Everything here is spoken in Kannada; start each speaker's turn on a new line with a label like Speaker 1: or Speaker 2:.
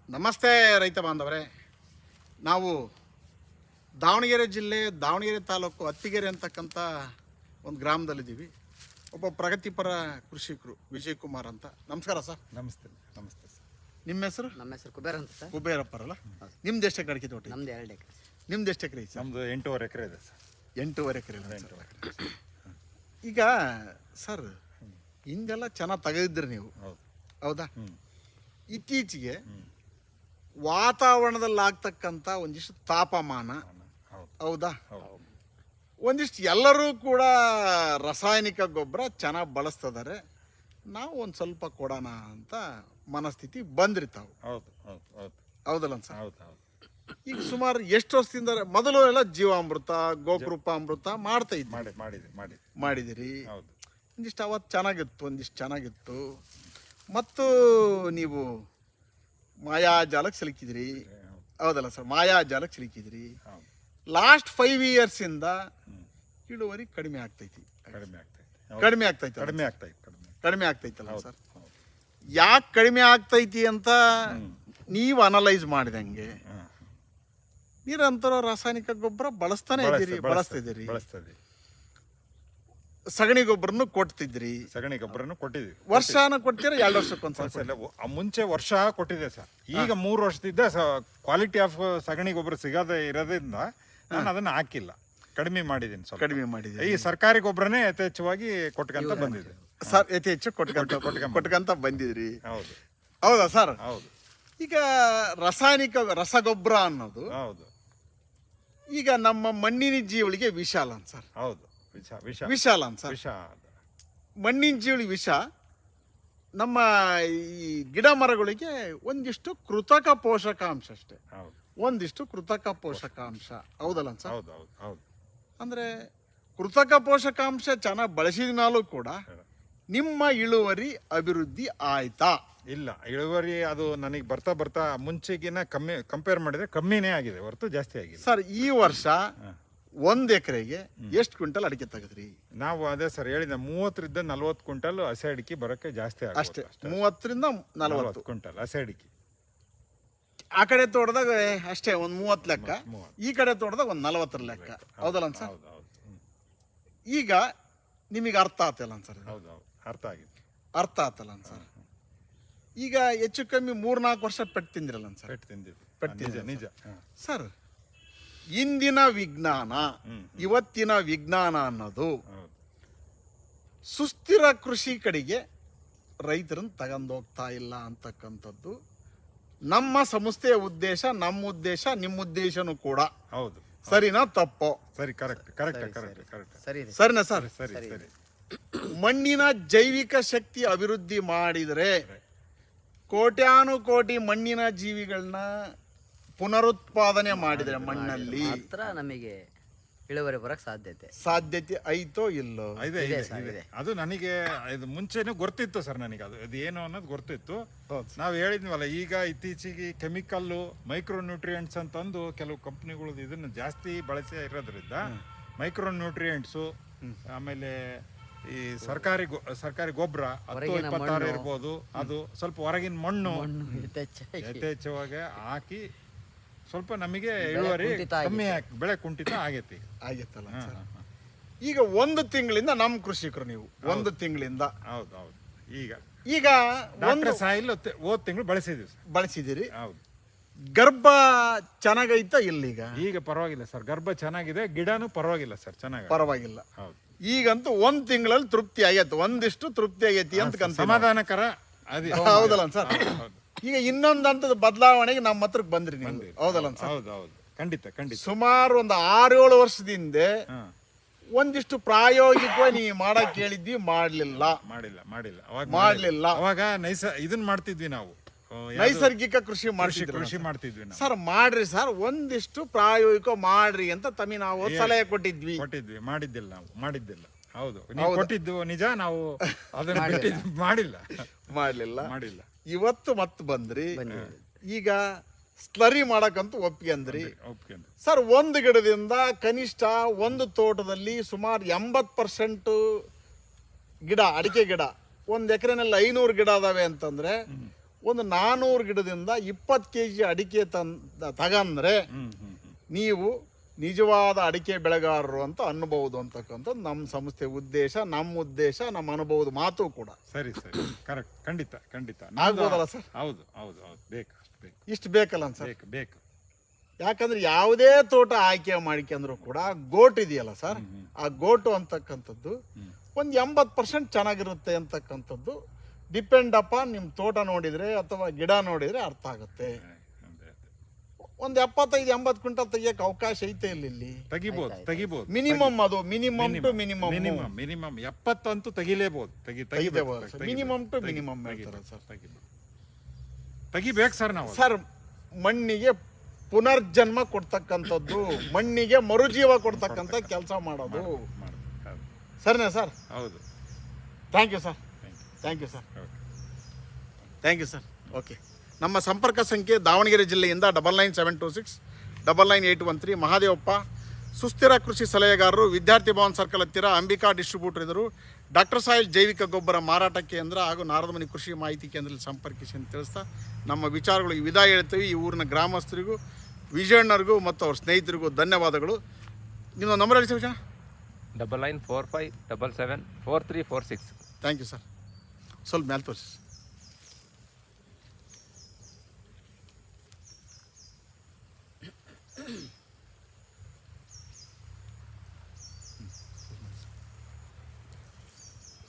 Speaker 1: ನಮಸ್ತೆ ರೈತ ಬಾಂಧವರೇ. ನಾವು ದಾವಣಗೆರೆ ಜಿಲ್ಲೆ ದಾವಣಗೆರೆ ತಾಲೂಕು ಅತ್ತಿಗೆರೆ ಅಂತಕ್ಕಂಥ ಒಂದು ಗ್ರಾಮದಲ್ಲಿದ್ದೀವಿ. ಒಬ್ಬ ಪ್ರಗತಿಪರ ಕೃಷಿಕರು ವಿಜಯ್ ಕುಮಾರ್ ಅಂತ. ನಮಸ್ಕಾರ ಸರ್.
Speaker 2: ನಮಸ್ತೆ ನಮಸ್ತೆ ಸರ್.
Speaker 1: ನಿಮ್ಮ ಹೆಸರು?
Speaker 3: ನಮ್ಮ ಹೆಸರು ಕುಬೇರ್ ಅಂತ ಸರ್.
Speaker 1: ಕುಬೇರಪ್ಪರಲ್ಲ. ನಿಮ್ದು ಎಷ್ಟು ಎಕರೆ ಅಡಿಕೆ ತೋಟ?
Speaker 3: ನಮ್ದು 2 ಎಕರೆ.
Speaker 1: ನಿಮ್ದು ಎಷ್ಟು ಎಕರೆ ಸರ್?
Speaker 2: ನಮ್ಮದು 8.5 ಎಕರೆ ಇದೆ ಸರ್.
Speaker 1: 8.5 ಎಕರೆ. ಈಗ ಸರ್ ಹಿಂದೆಲ್ಲ ಚೆನ್ನಾಗಿ ತೆಗೆದಿದ್ರಿ ನೀವು,
Speaker 2: ಹೌದು
Speaker 1: ಹೌದಾ? ಇತ್ತೀಚೆಗೆ ವಾತಾವರಣದಲ್ಲಿ ಆಗ್ತಕ್ಕಂಥ ಒಂದಿಷ್ಟು ತಾಪಮಾನ, ಹೌದಾ, ಒಂದಿಷ್ಟು ಎಲ್ಲರೂ ಕೂಡ ರಾಸಾಯನಿಕ ಗೊಬ್ಬರ ಚೆನ್ನಾಗಿ ಬಳಸ್ತಿದ್ದಾರೆ. ನಾವು ಒಂದು ಸ್ವಲ್ಪ ಕೊಡೋಣ ಅಂತ ಮನಸ್ಥಿತಿ ಬಂದಿರ್ತಾವೆ.
Speaker 2: ಹೌದು ಹೌದು ಹೌದು
Speaker 1: ಹೌದಲ್ಲ ಸರ್?
Speaker 2: ಹೌದು ಹೌದು.
Speaker 1: ಈಗ ಸುಮಾರು ಎಷ್ಟು ವರ್ಷದಿಂದ ಮೊದಲು ಎಲ್ಲ ಜೀವಾಮೃತ ಗೋಕೃಪಾಮೃತ ಮಾಡ್ತಾ ಇದ್ವಿ, ಮಾಡಿದಿರಿ.
Speaker 2: ಹೌದು.
Speaker 1: ಒಂದಿಷ್ಟು ಅವತ್ತು ಚೆನ್ನಾಗಿತ್ತು, ಒಂದಿಷ್ಟು ಚೆನ್ನಾಗಿತ್ತು. ಮತ್ತು ನೀವು ಮಾಯಾಜಾಲಕ್ಕೆ ಸಿಲುಕಿದ್ರಿ, ಹೌದಲ್ಲ ಸರ್? ಮಾಯಾಜಾಲಕ್ಕೆ ಸಿಲುಕಿದ್ರಿ. ಲಾಸ್ಟ್ 5 ಇಯರ್ಸಿಂದ ಇಳುವರಿ ಕಡಿಮೆ ಆಗ್ತೈತಿ. ಕಡಿಮೆ ಆಗ್ತೈತಲ್ಲ ಸರ್? ಯಾಕೆ ಕಡಿಮೆ ಆಗ್ತೈತಿ ಅಂತ ನೀವು ಅನಲೈಸ್ ಮಾಡಿದಂಗೆ ನಿರಂತರ ರಾಸಾಯನಿಕ ಗೊಬ್ಬರ ಬಳಸ್ತಿದ್ದೀರಿ. ಸಗಣಿ ಗೊಬ್ಬರನು ಕೊಡ್ತಿದ್ರಿ.
Speaker 2: ಕೊಟ್ಟಿದ್ವಿ.
Speaker 1: ವರ್ಷನ ಕೊಡ್ತೀರಾ? 2 ವರ್ಷಕ್ಕೊಂದ್ಸಲ?
Speaker 2: ಮುಂಚೆ ವರ್ಷ ಕೊಟ್ಟಿದೆ ಸರ್. ಈಗ 3 ವರ್ಷದಿಂದ ಕ್ವಾಲಿಟಿ ಆಫ್ ಸಗಣಿ ಗೊಬ್ಬರ ಸಿಗದೆ ಇರೋದ್ರಿಂದ ನಾನು ಅದನ್ನ ಹಾಕಿಲ್ಲ, ಕಡಿಮೆ ಮಾಡಿದ್ದೀನಿ. ಈ ಸರ್ಕಾರಿ ಗೊಬ್ಬರನೇ ಯಥೇಚ್ಛವಾಗಿ ಕೊಟ್ಕಂತ ಬಂದಿದೆ
Speaker 1: ಸರ್. ಯಥೇಚ್ಛ ಕೊಟ್ಕಂತ ಬಂದಿದ್ರಿ. ಹೌದಾ ಸರ್?
Speaker 2: ಹೌದು.
Speaker 1: ಈಗ ರಾಸಾಯನಿಕ ರಸಗೊಬ್ಬರ ಅನ್ನೋದು
Speaker 2: ಹೌದು
Speaker 1: ಈಗ ನಮ್ಮ ಮಣ್ಣಿನ ಜೀವಳಿಗೆ ವಿಷ ಅಲ್ಲ ಸರ್?
Speaker 2: ಹೌದು,
Speaker 1: ವಿಷ ಅಲ್ಲ ಸರ್? ಮಣ್ಣಿನ ಜೀವಳಿ ವಿಷ. ನಮ್ಮ ಈ ಗಿಡ ಮರಗಳಿಗೆ ಒಂದಿಷ್ಟು ಕೃತಕ ಪೋಷಕಾಂಶ ಅಷ್ಟೇ, ಒಂದಿಷ್ಟು ಕೃತಕ ಪೋಷಕಾಂಶ, ಹೌದಲ್ಲ ಸರ್? ಅಂದ್ರೆ ಕೃತಕ ಪೋಷಕಾಂಶ ಚೆನ್ನಾಗಿ ಬಳಸಿದ ಮೇಲೂ ಕೂಡ ನಿಮ್ಮ ಇಳುವರಿ ಅಭಿವೃದ್ಧಿ ಆಯ್ತಾ?
Speaker 2: ಇಲ್ಲ, ಇಳುವರಿ ಅದು ನನಗೆ ಬರ್ತಾ ಮುಂಚೆಗಿನ ಕಂಪೇರ್ ಮಾಡಿದ್ರೆ ಕಮ್ಮಿನೇ ಆಗಿದೆ ಹೊರತು ಜಾಸ್ತಿ ಆಗಿದೆ
Speaker 1: ಸರ್. ಈ ವರ್ಷ 1 ಎಕರೆಗೆ ಎಷ್ಟು ಕ್ವಿಂಟಲ್ ಅಡಿಕೆ ತೆಗೆದ್ರಿ?
Speaker 2: ನಾವು ಅದೇ ಸರ್ ಹೇಳಿದ 30ರಿಂದ 40 ಕ್ವಿಂಟಲ್ ಹಸಿ ಅಡಿಕೆ ಬರೋಕ್ಕೆ ಜಾಸ್ತಿ
Speaker 1: ಅಷ್ಟೇ. 30ರಿಂದ 40
Speaker 2: ಕ್ವಿಂಟಲ್ ಹಸಿ ಅಡಿಕೆ.
Speaker 1: ಆ ಕಡೆ ತೋಟದಾಗ ಅಷ್ಟೇ ಒಂದು 30 ಲೆಕ್ಕ, ಈ ಕಡೆ ತೋಟದಾಗ ಒಂದು 40 ಲೆಕ್ಕ, ಹೌದಲ್ಲ ಸರ್? ಈಗ ನಿಮಗೆ ಅರ್ಥ ಆತಲ್ಲ ಸರ್? ಅರ್ಥ ಆತಲ್ಲ ಸರ್? ಈಗ ಹೆಚ್ಚು ಕಮ್ಮಿ 3-4 ವರ್ಷ ಪೆಟ್ಟು ತಿಂದಿರಲ್ಲ ಸರ್?
Speaker 2: ನಿಜ
Speaker 1: ಸರ್. ಇಂದಿನ ವಿಜ್ಞಾನ ಇವತ್ತಿನ ವಿಜ್ಞಾನ ಅನ್ನೋದು ಸುಸ್ಥಿರ ಕೃಷಿ ಕಡೆಗೆ ರೈತರನ್ನು ತಗೊಂಡೋಗ್ತಾ ಇಲ್ಲ ಅಂತಕ್ಕಂಥದ್ದು ನಮ್ಮ ಸಂಸ್ಥೆಯ ಉದ್ದೇಶ, ನಮ್ಮ ಉದ್ದೇಶ, ನಿಮ್ಮ ಉದ್ದೇಶನೂ ಕೂಡ.
Speaker 2: ಹೌದು.
Speaker 1: ಸರಿನಾ ತಪ್ಪೋ?
Speaker 2: ಸರಿ, ಕರೆಕ್ಟ್.
Speaker 1: ಸರಿನಾ ಸರ್? ಮಣ್ಣಿನ ಜೈವಿಕ ಶಕ್ತಿ ಅಭಿವೃದ್ಧಿ ಮಾಡಿದರೆ ಕೋಟ್ಯಾನುಕೋಟಿ ಮಣ್ಣಿನ ಜೀವಿಗಳನ್ನ ಪುನರುತ್ಪಾದನೆ ಮಾಡಿದರೆ ಮಣ್ಣಲ್ಲಿ
Speaker 3: ನಮಗೆ ಇಳುವರಿ ಬರಕ್ ಸಾಧ್ಯತೆ
Speaker 1: ಐತೋ ಇಲ್ಲೋ?
Speaker 2: ಅದು ನನಗೆ ಇದು ಮುಂಚೆನೂ ಗೊತ್ತಿತ್ತು ಸರ್. ನನಗೆ ಅದು ಏನು ಅನ್ನೋದು ಗೊತ್ತಿತ್ತು. ನಾವು ಹೇಳಿದ್ವಲ್ಲ, ಈಗ ಇತ್ತೀಚೆಗೆ ಕೆಮಿಕಲ್ಲು, ಮೈಕ್ರೋ ನ್ಯೂಟ್ರಿಯೆಂಟ್ಸ್ ಅಂತಂದು ಕೆಲವು ಕಂಪ್ನಿಗಳು ಇದನ್ನು ಜಾಸ್ತಿ ಬಳಸಿ ಇರೋದ್ರಿಂದ ಮೈಕ್ರೋ ನ್ಯೂಟ್ರಿಯೆಂಟ್ಸು, ಆಮೇಲೆ ಈ ಸರ್ಕಾರಿ ಗೊಬ್ಬರ 10-26 ಇರ್ಬೋದು, ಅದು ಸ್ವಲ್ಪ ಹೊರಗಿನ ಮಣ್ಣು ಯಥೇಚ್ಛವಾಗಿ ಹಾಕಿ ಸ್ವಲ್ಪ ನಮಗೆ ಇಳುವರಿ ಕಮ್ಮಿ, ಬೆಳೆ ಕುಂಠಿತ ಆಗೈತಲ್ಲ.
Speaker 1: ಈಗ 1 ತಿಂಗಳಿಂದ ನಮ್ಮ ಕೃಷಿಕರು ನೀವು 1 ತಿಂಗಳಿಂದ
Speaker 2: ಹೌದು
Speaker 1: ಈಗ
Speaker 2: ಸಾಯಿಲ್ ಹೋದ ತಿಂಗಳು
Speaker 1: ಬಳಸಿದಿರಿ. ಹೌದು. ಗರ್ಭ ಚೆನ್ನಾಗೈತಾ? ಇಲ್ಲೀಗ ಈಗ
Speaker 2: ಪರವಾಗಿಲ್ಲ ಸರ್, ಗರ್ಭ ಚೆನ್ನಾಗಿದೆ, ಗಿಡನೂ ಪರವಾಗಿಲ್ಲ ಸರ್,
Speaker 1: ಪರವಾಗಿಲ್ಲ. ಈಗಂತೂ 1 ತಿಂಗಳಲ್ಲಿ ತೃಪ್ತಿ ಆಗೈತೆ, ಒಂದಿಷ್ಟು ತೃಪ್ತಿ ಆಗೈತಿ ಅಂತ
Speaker 2: ಸಮಾಧಾನಕರ.
Speaker 1: ಹೌದಲ್ಲ ಸರ್? ಈಗ ಇನ್ನೊಂದು ಹಂತದ ಬದಲಾವಣೆಗೆ ನಮ್ಮ ಹತ್ರಕ್ಕೆ ಬಂದ್ರಿ ನೀವು, ಹೌದಲ್ಲ ಸರ್?
Speaker 2: ಹೌದು, ಖಂಡಿತ.
Speaker 1: ಸುಮಾರು ಒಂದು 6-7 ವರ್ಷದಿಂದ ಒಂದಿಷ್ಟು ಪ್ರಾಯೋಗಿಕವಾಗಿ ನೀವು ಮಾಡಕ್ ಹೇಳಿದ್ವಿ, ಮಾಡಿಲ್ಲ.
Speaker 2: ಅವಾಗ ಇದನ್ನ ಮಾಡ್ತಿದ್ವಿ ನಾವು,
Speaker 1: ನೈಸರ್ಗಿಕ ಕೃಷಿ
Speaker 2: ಮಾಡ್ತಿದ್ವಿ
Speaker 1: ಸರ್. ಮಾಡ್ರಿ ಸರ್, ಒಂದಿಷ್ಟು ಪ್ರಾಯೋಗಿಕ ಮಾಡ್ರಿ ಅಂತ ತಮಗೆ ನಾವು ಸಲಹೆ ಕೊಟ್ಟಿದ್ವಿ.
Speaker 2: ಮಾಡಿದ್ದಿಲ್ಲ. ಹೌದು, ನೀವು ಕೊಟ್ಟಿದ್ದು ನಿಜ. ನಾವು ಅದನ್ನ
Speaker 1: ಮಾಡಿಲ್ಲ. ಇವತ್ತು ಮತ್ತೆ ಬಂದ್ರಿ. ಈಗ ಸ್ಲರಿ ಮಾಡಕ್ಕಂತೂ ಒಪ್ಪಿಗೆ ಅಂದ್ರಿ ಸರ್. 1 ಗಿಡದಿಂದ ಕನಿಷ್ಠ ಒಂದು ತೋಟದಲ್ಲಿ ಸುಮಾರು 80% ಗಿಡ, ಅಡಿಕೆ ಗಿಡ, 1 ಎಕರೆನಲ್ಲಿ 500 ಗಿಡ ಅದಾವೆ ಅಂತಂದ್ರೆ ಒಂದು 400 ಗಿಡದಿಂದ 20 kg ಅಡಿಕೆ ತಗಂದ್ರೆ ನೀವು ನಿಜವಾದ ಅಡಿಕೆ ಬೆಳೆಗಾರರು ಅಂತ ಅನ್ಬಹುದು ಅಂತಕ್ಕಂಥದ್ದು ನಮ್ಮ ಸಂಸ್ಥೆ ಉದ್ದೇಶ, ನಮ್ಮ ಅನುಭವದ ಮಾತು ಕೂಡ.
Speaker 2: ಸರಿ ಕರೆಕ್ಟ್, ಖಂಡಿತ
Speaker 1: ಆಗ್ಬೋದಲ್ಲ ಸರ್?
Speaker 2: ಹೌದು ಬೇಕು
Speaker 1: ಇಷ್ಟು ಬೇಕಲ್ಲ ಸರ್?
Speaker 2: ಬೇಕು.
Speaker 1: ಯಾಕಂದ್ರೆ ಯಾವುದೇ ತೋಟ ಆಯ್ಕೆ ಮಾಡಿಕೊಂಡ್ರು ಕೂಡ ಗೋಟ್ ಇದೆಯಲ್ಲ ಸರ್, ಆ ಗೋಟು ಅಂತಕ್ಕಂಥದ್ದು ಒಂದು 80% ಚೆನ್ನಾಗಿರುತ್ತೆ ಅಂತಕ್ಕಂಥದ್ದು ಡಿಪೆಂಡ್ ಅಪಾನ್ ನಿಮ್ಮ ತೋಟ ನೋಡಿದರೆ ಅಥವಾ ಗಿಡ ನೋಡಿದರೆ ಅರ್ಥ ಆಗುತ್ತೆ. ಒಂದು 75-80 ಕ್ವಿಂಟಲ್ ತೆಗಿಯಕ್ಕೆ ಅವಕಾಶ ಐತೆ ಇಲ್ಲಿ.
Speaker 2: ತೆಗಿಬೋದು.
Speaker 1: ಮಿನಿಮಮ್ ಅದು ಮಿನಿಮಮ್ ಟು ಮಿನಿಮಮ್
Speaker 2: 70 ಅಂತೂ ತೆಗಿಲೇಬಹುದು.
Speaker 1: ಮಿನಿಮಮ್ ಟು ಮಿನಿಮಮ್ ಹೇಳ್ತಾರೆ ಸರ್.
Speaker 2: ತೆಗಿಬೇಕು ಸರ್. ನಾವು
Speaker 1: ಸರ್ ಮಣ್ಣಿಗೆ ಪುನರ್ಜನ್ಮ ಕೊಡ್ತಕ್ಕಂಥದ್ದು, ಮಣ್ಣಿಗೆ ಮರುಜೀವ ಕೊಡ್ತಕ್ಕಂಥ ಕೆಲಸ ಮಾಡೋದು. ಸರಿನಾ ಸರ್?
Speaker 2: ಹೌದು.
Speaker 1: Thank you sir. ಓಕೆ. ನಮ್ಮ ಸಂಪರ್ಕ ಸಂಖ್ಯೆ ದಾವಣಗೆರೆ ಜಿಲ್ಲೆಯಿಂದ 9972699813. ಮಹಾದೇವಪ್ಪ, ಸುಸ್ಥಿರ ಕೃಷಿ ಸಲಹೆಗಾರರು, ವಿದ್ಯಾರ್ಥಿ ಭವನ್ ಸರ್ಕಲ್ ಹತ್ತಿರ, ಅಂಬಿಕಾ ಡಿಸ್ಟ್ರಿಬ್ಯೂಟರ್ ಇದ್ದರು. ಡಾಕ್ಟರ್ ಸಾಯಿಲ್ ಜೈವಿಕ ಗೊಬ್ಬರ ಮಾರಾಟ ಕೇಂದ್ರ ಹಾಗೂ ನಾರದಮನಿ ಕೃಷಿ ಮಾಹಿತಿ ಕೇಂದ್ರದಲ್ಲಿ ಸಂಪರ್ಕಿಸಿ ಅಂತ ತಿಳಿಸ್ತಾ ನಮ್ಮ ವಿಚಾರಗಳಿಗೆ ವಿದಾಯ ಹೇಳ್ತೀವಿ. ಈ ಊರಿನ ಗ್ರಾಮಸ್ಥರಿಗೂ, ವಿಜಯಣ್ಣರಿಗೂ ಮತ್ತು ಅವ್ರ ಸ್ನೇಹಿತರಿಗೂ ಧನ್ಯವಾದಗಳು. ನಿಮ್ಮ ನಂಬರ್ ಹೇಳಿ ಸರ್.
Speaker 4: 9945774346.
Speaker 1: Thank you sir. ಸ್ವಲ್ಪ ಮೇಲೆ ತೋರಿಸಿ.